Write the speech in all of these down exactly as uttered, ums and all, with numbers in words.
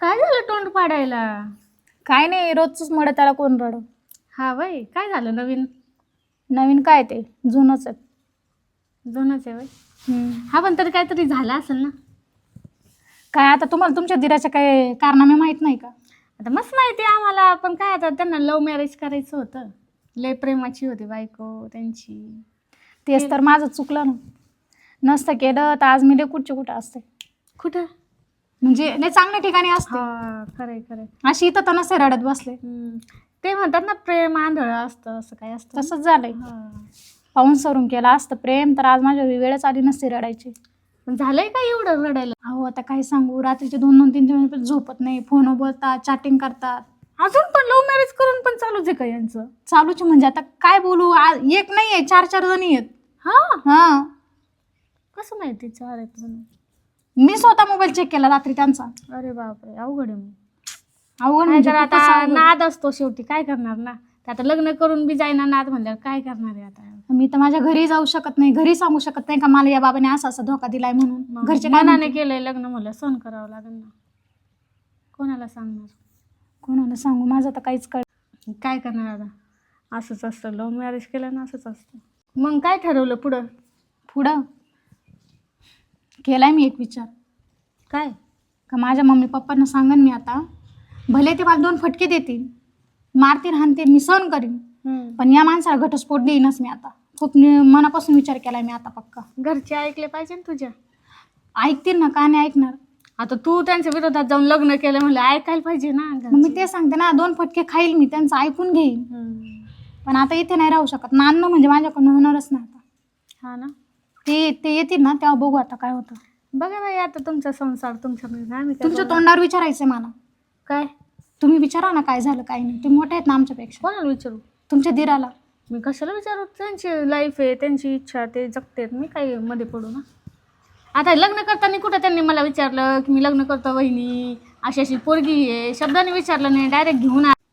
काय झालं तोंड पाडायला? काय नाही, रोजच मड त्याला कोण रड. हा वय, काय झालं नवीन? नवीन काय ते जुनच आहे. जुनच आहे वय. हम्म. हा पण तरी काहीतरी झालं असेल ना. काय आता तुम्हाला तुमच्या दिराच्या काय कारनामे माहित नाही का? आता मस्त माहिती आहे आम्हाला, पण काय आता त्यांना लव्ह मॅरेज करायचं होतं. लय प्रेमाची होती बायको त्यांची. तेच तर माझं चुकलं ना. नसतं केलं तर आज मी लय कुठच्या कुठं असते. कुठं? म्हणजे लय चांगल्या ठिकाणी असते. हा खरंय खरंय. अशी इथं तर नसते रडत बसले. हम्म. ते म्हणतात ना प्रेम आंधळं असतं, असं काय असतं. तसंच झालंय. हा. पाहून सरून केलं असतं प्रेम तर आज माझ्या वेळच आली नसती रडायची. पण झालंय का एवढं रडायला? अहो आता काय सांगू, रात्रीचे दोन दोन तीन तीन पण झोपत नाही, फोन बोलतात, चॅटिंग करतात. अजून पण लव्ह मॅरेज करून पण चालूच आहे का यांचं? चालूच म्हणजे आता काय बोलू, आ- एक नाही आहे, चार चार जणी आहेत. हा हा, कसं माहिती चार आहेत म्हणून? मी स्वतः मोबाईल चेक केला रात्री त्यांचा. अरे बापरे, अवघड आहे मग. अवघड काय म्हणजे तर खूपच आता अवघड. नाद असतो शेवटी, काय करणार ना. ते आता लग्न करून बी जाईना नाद म्हणल्यावर काय करणार आहे आता? मी तर माझ्या घरी जाऊ शकत नाही, घरी सांगू शकत नाही का मला या बाबाने असा असा धोका दिलाय म्हणून. मग घरचे काय मनाने म्हणतील? केलंय लग्न म्हणलं सहन करावं लागेल ना. कोणाला सांगणार? कोणाला सांगू, माझं तर काहीच कळ. काय करणार आता? असंच असतं, लव्ह मॅरेज केलं ना असंच असतं. मग काय ठरवलं पुढं? पुढं केलाय मी एक विचार काय? का माझ्या मम्मी पप्पांना सांगन मी आता, भले ते मला दोन फटके देतील, मारतील हाणतील, मी सहन करीन, पण या माणसाला घटस्फोट देईनच मी आता. खूप नि- मनापासून विचार केलाय मी आता पक्का. घरचे ऐकले पाहिजे ना तुझ्या. ऐकतील ना, का नाही ऐकणार? आता तू त्यांच्या विरोधात जाऊन लग्न केलं म्हणलं ऐकायला पाहिजे ना मग घरचे. मी ते सांगते ना, दोन फटके खाईल मी, त्यांचं ऐकून घेईन. हम्म. पण आता इथे नाही राहू शकत, नांदणं म्हणजे माझ्याकडून होणारच नाही आता. हा ना. ते ते येतील ना तेव्हा बघू आता काय होतं. बघा बाई आता तुमचा संसार तुमच्या आम्ही काय तुमच्या बोलणार? तोंडावर विचारायचंय मला. काय? तुम्ही विचारा ना काय झालं काय नाही, तुम्ही मोठे आहेत ना आमच्यापेक्षा. कोणाला विचारू? तुमच्या दिराला. मी कशाला विचारू? त्यांची लाईफ आहे, त्यांची इच्छा, ते जगतेत, मी काही मध्ये पडू ना. आता लग्न करताना कुठं त्यांनी मला विचारलं की मी लग्न करतो वहिनी, अशी अशी पोरगी आहे, शब्दाने विचारलं नाही, डायरेक्ट घेऊन आ.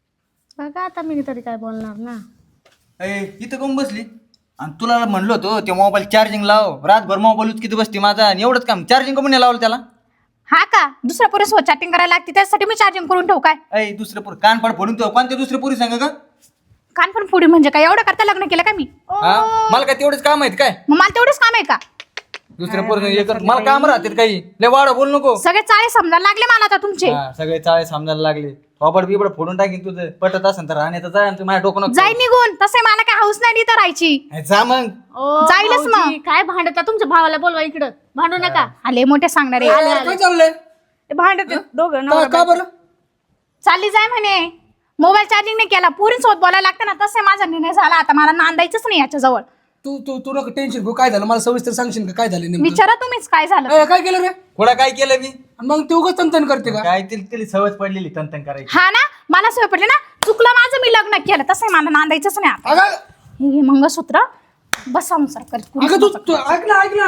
बघा आता मी तरी काय बोलणार ना. अय इथं कोण बसली? आणि तुला म्हणलो होतो ते मोबाईल चार्जिंग लाव, रातभर मोबाईल किती बसते माझा, आणि एवढंच काम चार्जिंग कमी नाही लावलं त्याला? हा का, दुसऱ्या पोरीसोबत चॅटिंग करायला लागते त्यासाठी मी चार्जिंग करून ठेवू काय? अय दुसरे पोरी कान पाड फोडून ठेव. कोणत्या दुसरे पोरी सांग का? कान पण पुढे म्हणजे काय, एवढं करता लग्न केलं का मी? हा मला काय तेवढेच काम आहेत काय? मग मला तेवढंच काम आहे का? दुसऱ्या पोरी हे कर, मला काम राहतात काही. लय वाढ बोल नको. सगळे चाळे समजायला लागले मला आता तुमचे. हा, सगळे चाळे समजायला लागले. थोबड बिबड फोडून टाकीन तुझं. पटत असेल तर राहण्याचं जाय, आणि तू माझ्या डोकं नको. जाई निघून, तसे मला काय हाऊस नाही इथं राहायची. हे जा मग. ओ, जाईलच मग. भाऊजी, काय भांडता? तुमच्या भावाला बोलवा इकडं, भांडू नका. आले मोठे सांगणारे. काय चाललंय? भांडत दोघं का नवरा का बरं? चालली जाय म्हणे, मोबाईल चार्जिंग नाही केला, पोरींसोबत बोलायला लागतं ना, तसे माझा निर्णय झाला आता, मला नांदायचंच नाही याच्या जवळ. तू तू तू नको टेन्शन घेऊ. काय झालं मला सविस्तर सांगशील का? काय झालं नेमकं? विचारा तुम्हीच काय झालं. ए, काय केलं रे? थोडा काय केलं मी? आणि मग ते उगाच तंतन करते का? काय तिला तिला सवय पडलेली तंतन करायची. हा ना, मला सवय पडली ना, चुकलं माझं, मी लग्न केलं, तसं मला नांदायचंच नाही आता. अगं हे मंगळसूत्र बस संसार कर. अगं तू तू ऐक ना ऐक ना.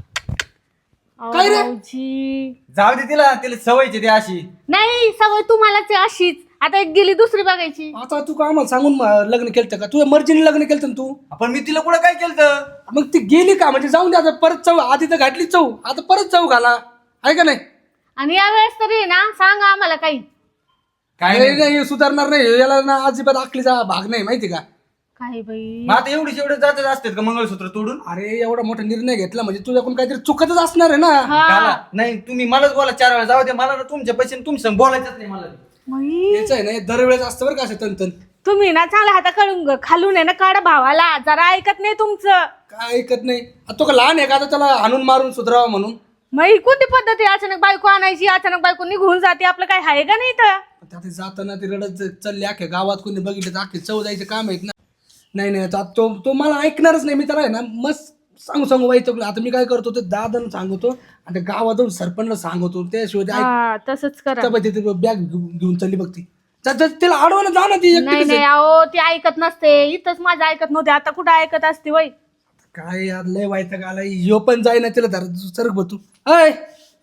काय रे? भाऊजी. जाऊ दे तिला, तिला सवयची ती अशी. नाही सवय तुम्हालाच आहे अशीच. आता एक गेली दुसरी बघायची. आता तू काय आम्हाला सांगून म- लग्न केलं का? तुझ्या मर्जीने लग्न केलं ना तू? आपण मी तिला कुठं काय केलं? मग ती गेली का? म्हणजे जाऊन दे आता, परत चव आधी तर घातली चव, आता परत चव घाला, आहे का नाही? आणि यावेळेस तरी ना सांगा आम्हाला काही. काय नाही नाही, हे सुधारणार नाही, याला ना अजिबात आखलीचा भाग नाही, माहिती का? काय बाई. मग आता एवढी एवढे जातच असतात का मंगळसूत्र तोडून? अरे एवढा मोठा निर्णय घेतला म्हणजे तुझ्याकडून काहीतरी चुकतच असणार आहे ना. हा. गाला. नाही तुम्ही मलाच बोला चार वेळा, जाऊ दे मला ना तुमच्या पैसे तुमच्या संग बोलायचंच नाही मला. बाई, याच आहे ना दरवेळेस असतं बरं का असं तंतन. तुम्ही ना चांगला हाता काढून खालून आहे ना काढा भावाला, जरा ऐकत नाही तुमचं. काय ऐकत नाही. आता तो का लहान आहे का आता त्याला हाणून मारून सुधारावा म्हणून? मग ही कोणती पद्धती? अचानक बायको आणायची, अचानक बायको निघून जाते, आपलं काय आहे का नाही तर? आता जाताना ते रडत ज- चालले अख्ख्या गावात कोणी बघितलं तर अख्खे चव जायचे काम आहेत ना. नाही नाही आता तो तो मला ऐकणारच नाही. मी त्याला आहे ना मस्त सांगू सांगू व्हायचं. आता मी काय करतो ते दादाला सांगतो आणि त्या गावात जाऊन सरपंचला सांगतो, त्याशिवाय ते हा तसंच करा. बॅग घेऊन चालली बघ ती. जा- जा- तिला अडवायला जा ना ती नाही एकटीच नाही, आहे. अहो ती ऐकत नसते. इथंच माझं ऐकत नव्हते, आता कुठं ऐकत असते वय. काय यार लय व्हायचं आला ह्यो पण जाईना तिला धर सरक बघ तू. अय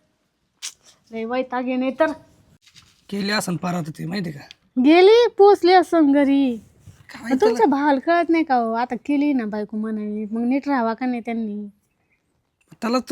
लय वैताग नाही तर. केली असं पार आता ते माहिती का? गेली पोचली असं घरी. काय मग तुमच्या भावाला कळत नाही का हो? आता केली ना बायको म्हणाली, मग नीट राहावा का नाही त्यांनी? त्याला आता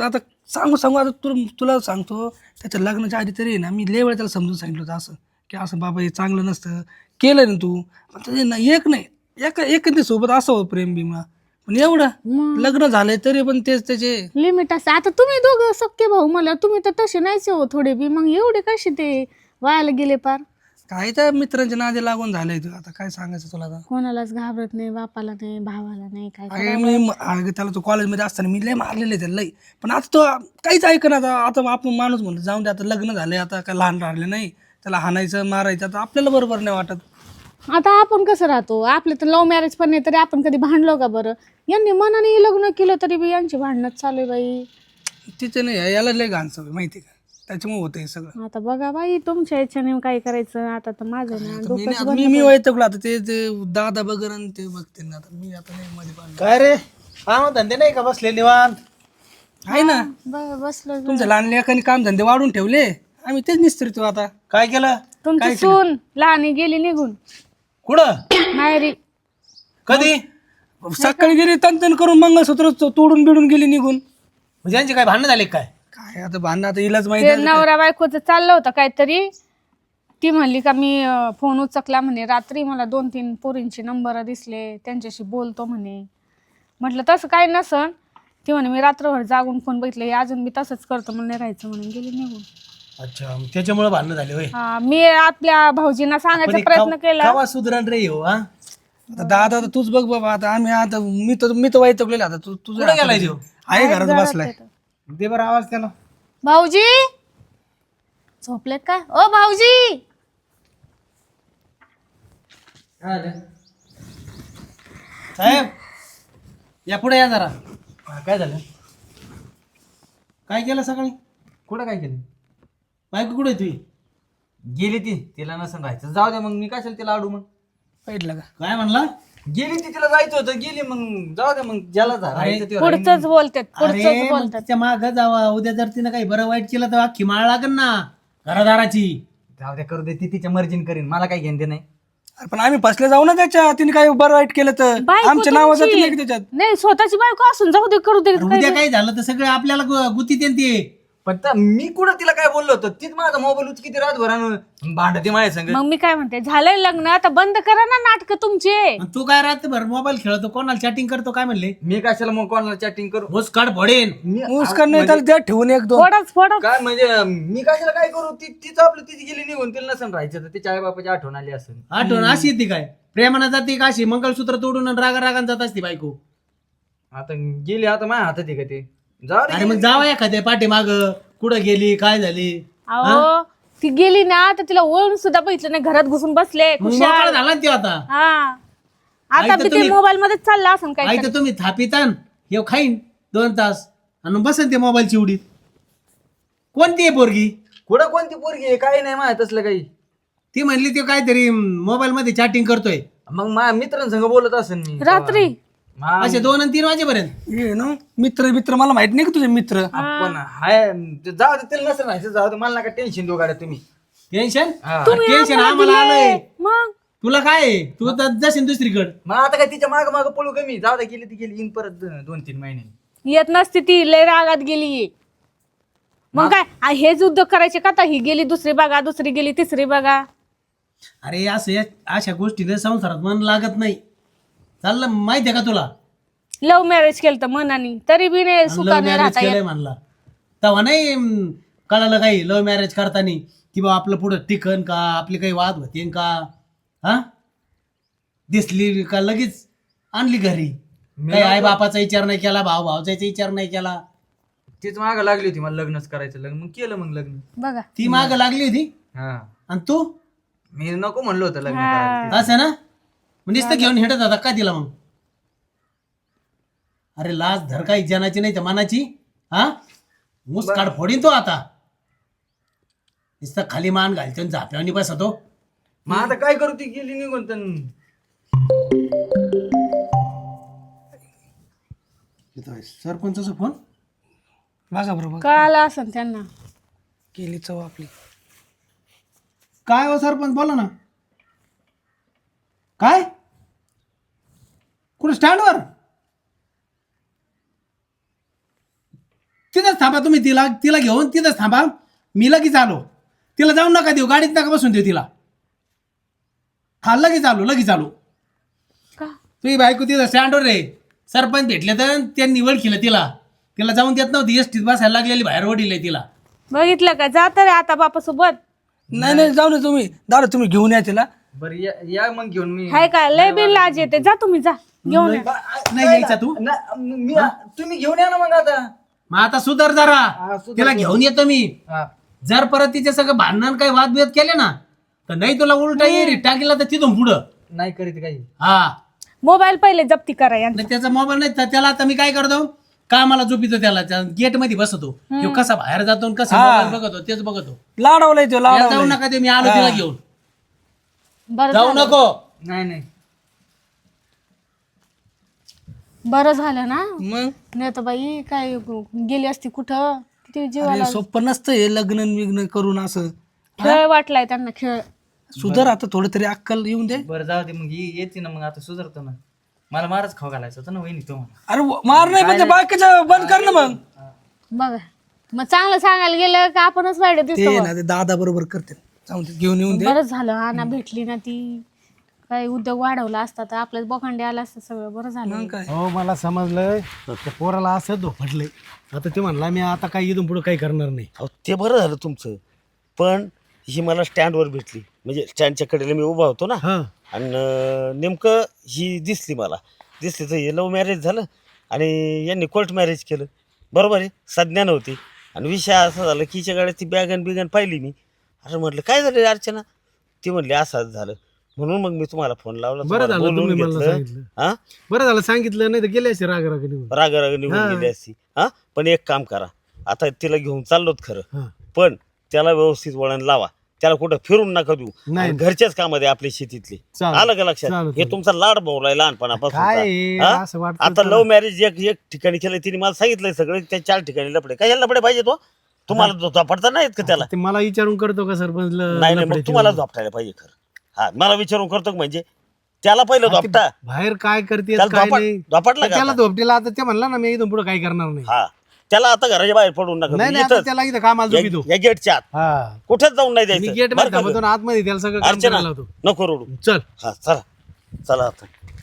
सांगू सांगू आता तुला तुला सांगतो त्याच्या लग्नाच्या आधी तरी आहे ना मी लय वेळा त्याला समजून सांगितलं होतं असं की असं बाबा हे चांगलं नसतं केलं ना तू पण त्याचे ना एक नाही एका एकंदरी सोबत असावं प्रेम बिमा पण एवढं लग्न झालंय तरी पण तेच त्याचे लिमिट असतं. आता तुम्ही दोघं सख्खे भाऊ मला तुम्ही तर तसे नाहीच हो थोडे बी, मग एवढे कसे ते वायाला गेले पार. काय त्या मित्रांच्या नादी लागून झालंय तू आता काय सांगायचं तुला आता कोणालाच घाबरत नाही, बापाला नाही, भावाला नाही, काय अगे मी म- अगं त्याला तो कॉलेजमध्ये असताना मी लय मारलेले त्याला लय पण आता तो काहीच ऐक ना आता आता आपण माणूस म्हणतो जाऊन दे आता लग्न झालंय आता काय लहान राहिले नाही त्याला हाणायचं मारायचं आता आपल्याला बरोबर नाही वाटत. आता आपण कसं राहतो, आपले तर लव्ह मॅरेज पण नाही तरी आपण कधी भांडलो का बरं? यांनी मनाने लग्न केलं तरी बी यांची भांडणच चालू आहे बाई. तिचे नाही याला लय घाण सवय माहिती का त्याच्यामुळे होतं हे सगळं. आता बघा बाई तुमच्या इच्छेने काय करायचं, आता तर माझं ना आता मी डोकंच नाही- आता बंद मी मी वैतकलो आता ते ते दादा बगर आणि ते बघते ना आता मी आता नाही मध्ये पाहिलं काय रे काम धंदे नाही का बसले निवांत? आहे ना ब- बसलो. तुमच्या लहान लेखाने काम धंदे वाढून ठेवले आम्ही तेच निस्त्रितो आता. काय केलं? तुमची सून लहानी गेली निघून कुठं? माहेरी. कधी? सकाळी गेली तन करून मंगळसूत्र तो- तोडून बिडून गेली निघून. म्हणजे यांचे काय भांडण झाले काय? काय आता भांडणं आता इलाज माहिती ते आहे. नवरा बायकोचं चाललं होतं काहीतरी. ती म्हणली का मी अं, फोन उचकला म्हणे रात्री, मला दोन तीन पोरींचे नंबर दिसले, त्यांच्याशी बोलतो म्हणे. म्हटलं तसं काही नसन. ती म्हणे मी रात्रभर जागून फोन बघितले, अजून मी तसंच करतो, मला नाही राहायचं म्हणून गेली निघून. अच्छा मग त्याच्यामुळे भांडणं झाले होय. हा, मी आपल्या भाऊजींना सांगायचा प्रयत्न केला. केव्हा सुधरण रे हो? हा आता दादा आता तूच बघ बाबा आता आम्ही आता मी तर मी तर वैतकलेला आता तू तुझं कुठं गेलाय देव? आहे घरात बसलाय. दे बरं आवाज त्याला. भाऊजी झोपलेत का? ओ भाऊजी. साहेब या पुढे या जरा. हा, काय झालं? काय केलं सकाळी? कुठं काय केलं? बायको कुठे तुझी? गेली ती तिला नसन राहायचं जाऊ दे मग मी कशाला तिला आडू मग. पाहिलं का काय म्हणला? गेली ती तिला जायचं होतं गेली मग जाऊ दे मग ज्याला जा- राहायचं ते राहील. पुढचंच बोलतात अरे पुढचंच मग बोलतात. तिच्या माग जावा. उद्या जर तिनं काही बरं वाईट केलं तर अख्खी माळ लागेल ना घरादाराची. जाऊ दे करू दे ती तिच्या मर्जीन करीन मला काही घेणं ते नाही. अरे पण आम्ही फसले जाऊ ना त्याच्या तिने काही बरं वाईट केलं तर बायको आमच्या नावाचं तुमची. नाही की त्याच्यात. नाही स्वतःची बायको असून जाऊ दे करू दे. अरे उद्या काही झालं तर सगळं आपल्याला गु- गुतीत येईन ते. पण त्या- मी कुठं तिला काय बोललो होतो तीच माझा मोबाईल उच किती रातभरानं भांडते माझ्या संग. मग मी काय म्हणते, झालंय लग्न आता बंद करा ना नाटक तुमचे. आणि तू काय रात्रभर मोबाईल खेळतो कोणाला चॅटिंग करतो काय म्हणले? मी कशाला मग कोणाला चॅटिंग करू होस काढ फोडेन. मी मुस्कान नाही त्याला द्या ठेवून एक दोन. फोडच फोडच. काय म्हणजे मी कशाला काय करू ती तीच आपलं तिची गेली निघून तिला नसन राहायचं तर तिच्या आई बापाची आठवण आली असेल. आठवण अशी येते काय? प्रेमानं जाते का अशी मंगळसूत्र तोडून आणि रागा रागान जात असते बायको? आता गेली आता माझ्या हातात आहे का ते जाऊ अरे दे. मग जावा एखाद्या पाठी माग कुठं गेली काय झाली? अहो ती गेली ना तर तिला ओळून सुद्धा बघितलं नाही, घरात घुसून बसले मग खुशाल. मोकळा झाला ना त्यो आता. हा आई आता तर बी ते तुम्ही- मोबाईल मध्येच चाललं असं काय. आई तर तुम्ही थापितान हे खाईन दोन तास आणि बसन ते मोबाईल चिवडीत. कोणती आहे पोरगी? कुठं कोणती पोरगी आहे काही नाही माहित असलं काही. ती म्हणली ते काहीतरी मोबाईल मध्ये चॅटिंग करतोय. मग माझ्या मित्रांसंग बोलत असेल मी रात्री मा- असे दोन आणि तीन वाजेपर्यंत. ये ना मित्र मित्र मला माहित नाही का तुझे मित्र. आपण हाय ते जाऊ दे तिला नसं राहायचं जाऊ दे मला नका टेन्शन देऊ गाड्या तुम्ही. टेन्शन हा. टेन्शन आम्हाला आलंय. मग तुला काय आहे? तू तर जशीन दुसरीकडे. मग आता काय तिच्या माग माग पळू कमी जाऊ दे गेली ती गेली येईन परत द- दोन तीन महिने. येत नसती ती, लय रागात गेली. मग काय आ, हेच उद्योग करायचे का? आता ही गेली दुसरी बघा, दुसरी गेली तिसरी बघा. अरे असं या- अशा गोष्टीने संसारात मन लागत नाही. चाललं माहितीये का तुला? लव्ह मॅरेज केलं तर मनानी तरी बी नाही लव्ह सुखाने मॅरेज राहता केलंय येत. म्हणला तेव्हा नाही हम्म, कळालं काही लव्ह मॅरेज करताना की बा आपलं पुढं टिकन का आपली काही वाद होते का? हा दिसली का लगेच आणली घरी. काही आई बापाचा विचार नाही केला, भाऊ भावचा विचार नाही केला. तीच माग लागली होती मला लग्नच करायचं लग्न मग केलं मग लग्न. बघा ती माग लागली होती हा आणि तू मी नको म्हणलो होतं लग्न हा. करायला. असं ना मग नुसतं घेऊन हिंडत होता का तिला मग? अरे लाज धर काही जनाची नाही तर मनाची. हा मुसकाड फोडीन तो आता. नुसतं खाली मान घालतो आणि झाप्यावनी बसतो. मग आता काय करू ती गेली निघून तर सरपंचाचा फोन बघा बरोबर कळालं असं त्यांना. केली चव आपली. काय हो सरपंच बोला ना. काय कुठं स्टँडवर? तिथंच थांबा तुम्ही, तिला तिला घेऊन तिथंच थांबा. मी लगेच आलो. तिला जाऊन नका देऊ, गाडीत नका बसून देऊ तिला. हा लगेच आलो लगेच आलो. का तुझी बायको तिथं स्टँडवर आहे. सरपंच भेटले तर त्यांनी ओळखीलं तिला. तिला जाऊन देत नव्हती, एसटीत बसायला लागलेली, बाहेर ओढील तिला. बघितलं का जात रे आता बापा सोबत. नाही नाही जाऊ ना तुम्ही दादा, तुम्ही घेऊन या तिला. बरं या या मग घेऊन मी हाय काय लय बिल लाज येते. जा तुम्ही जा घेऊन या. नाही यायचा तू. ना- मी तुम्ही घेऊन या ना मग आता. मग आता सुधार जरा. हा, सुधार. तिला घेऊन येतो मी. हा. जर परत तिच्या सगळं भांडण काही वादविवाद केले ना, तर नाही तुला उलटा येरी टाकीला तर तिथून पुढं. नाही करीत काही. हा मोबाईल पहिले जप्ती करा यांचा. नाही त्याचा मोबाईल नाही तर त्याला आता मी काय करतो, कामाला झोपितो त्याला, गेट मध्ये बसतो. तो कसा बाहेर जातो आणि कसा मोबाईल बघतो तेच बघतो. लाडवलाय तो या लाडवलाय. जाऊ नका ते, मी आलो तिला घेऊन. बरं जाऊ झालं. नको. नाही नाही बरं झालं ना. मग नाही तर बाई काय गेली असती कुठं. किती जीवाला अरे सोपं नसतं हे लग्न विग्न करून असं. खेळ वाटलाय त्यांना खेळ. सुधार आता थोडं तरी अक्कल येऊन दे. बरं जाऊ दे मग ही येते ना मग आता सुधारतो ना. मला मारच खाऊ घालायचं होतं ना वहिनी तो मला. अरे मार नाही म्हणजे बाकीचं बंद कर ना मग. बघा मग चांगलं सांगायला गेलं का आपणच वाईट दिसतो. ते ना ते दादा बरोबर करते. जाऊन दे, घेऊन येऊन दे. बरंच झालं आणा भेटली ना ती. काही उद्योग वाढवला असता तर आपल्याला बोकांडे आला असतं सगळं. बरं झालं. मग काय हो मला समजलं, त्या पोराला असं धोपटलंय. आता ते म्हणला मी आता काही इथून पुढे काही करणार नाही. अहो ते बरं झालं तुमचं, पण ही मला स्टँडवर भेटली, म्हणजे स्टँडच्या कडेला मी उभा होतो ना, हा आणि अं, नेमकं ही दिसली मला. दिसली तर हे लव्ह मॅरेज झालं आणि यांनी कोर्ट मॅरेज केलं. बरोबर आहे, संज्ञा नव्हती. आणि विषय असा झाला की हिच्या गाड्यात ती बॅगन बिगन पाहिली मी. अरे म्हटलं काय झालं रे अर्चना, ती म्हणली असंच झालं. म्हणून मग मी तुम्हाला फोन लावला, बरं तुम्हाला झालं बोलवून तुम्ही मला घेतलं. सांगितलं. हा बरं झालं सांगितलं, नाही तर गेले असे राग राग निघून. राग राग निघून गेली असती. हा पण एक काम करा, आता तिला घेऊन चाललोत खरं, हा. पण त्याला व्यवस्थित वळण लावा. त्याला कुठं फिरून नका देऊ. नाही. आणि घरच्याच कामामध्ये आपली शेतीतली. चालेल. आलं का लक्षात? चालेल, हे तुमचा लाड भाऊलाय काय लहानपणापासून. असं वाटतं आता लव्ह मॅरेज एक एक ठिकाणी केलं, तिने मला सांगितलंय सगळं. त्या चार ठिकाणी लपडे, काय लपडे पाहिजे तो तुम्हाला झोपडता नाहीत का त्याला? ते मला विचारून करतो का सरपंच ल- नाही नाही, लफडे मग तुम्हाला ते? झोपटायला पाहिजे खरं. हा मला विचारून करतो का म्हणजे त्याला पहिलं झोपटा. बाहेर काय करते त्याला काय झोपाट- नाही. झोपाटला का त्याला आता? झोपटीला आता ते म्हणला ना मी इथून पुढे काही करणार नाही. हा त्याला आता घराच्या बाहेर पडून नका. नाही नाही आता इथंच, त्याला इथं कामाला झोपितो. या- या गेटच्या आत हा कुठेच जाऊन नाही मी द्यायचं. गेट बरं मध्ये का थांबतो गं? ना आतमध्ये, त्याला सगळं काम अर्चना करायला होतो. नको रडू. चल हा चला चला आता.